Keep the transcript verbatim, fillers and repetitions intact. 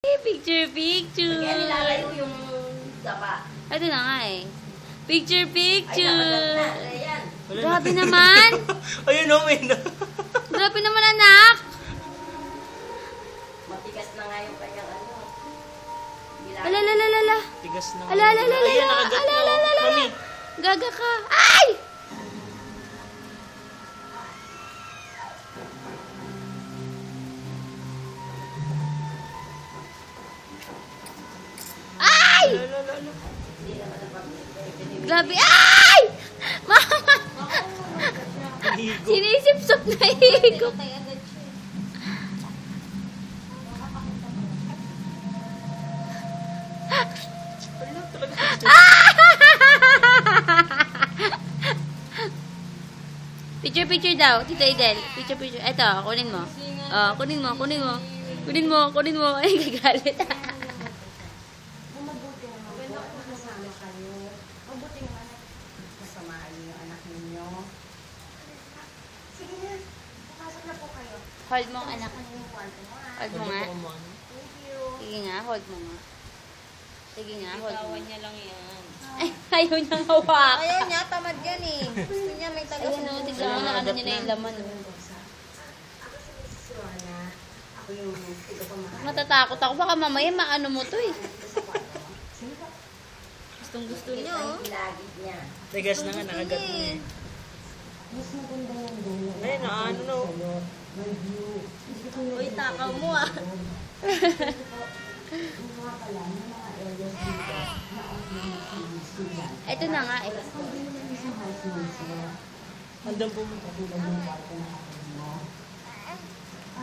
Picture, picture. Kaya nilalayo yung dapa. Ito na nga eh. Picture, Ay, picture. nakagat na. Ayan. Grabe naman. Ayun o, may na. Grabe naman, anak. Matigas na nga yung kanyang ano. Bilang. Alalalala. Tigas na. Alalalala. Ayun, nakagat na. Alalalala. Mami. Gaga ka. Ay! Ay! Alalalala. Grabe. Ay! Mama! Higo. Sinisipsop na higop. Ayun, talaga. Picture, picture daw. Tita Idel. Picture, picture. Ito, kunin mo. Oh, kunin mo, kunin mo. Kunin mo, kunin mo. Ay, gagalit. Mabuti naman po. Kasama kayo. Mabuti naman. Kasamaan niyo yung anak ninyo. Sige na. Pasok na po kayo. Hold mo, anak. Ano yung kwarto mo ha? Hold mo nga. Thank you. Sige nga, hold mo nga. Sige nga, hold mo. niya lang yan. Ay, ayaw niyang hawak. Ayaw niya, tamad yan eh. Gusto niya may taga Ayun o, tignan mo na ano niya na yung laman. oh. Ako si Missus Rona. Ako yung tigapamahal. Matatakot ako. Baka mamaya maano mo to eh. Sino ba? Gustong gusto Ito niya yung oh. ilagid niya. Tigas na nga, nakagat na eh. Mas maganda yung dulo. Ayun, na ano no. May view. Gusto ko yung Uy, takaw mo ah. yung mga pala, yung mga areas dito na ang pinag-sila. Ito na nga eh. Hindi naman isang house mo sila. Andang pumunta. Katulad yung kwarto na ako mo.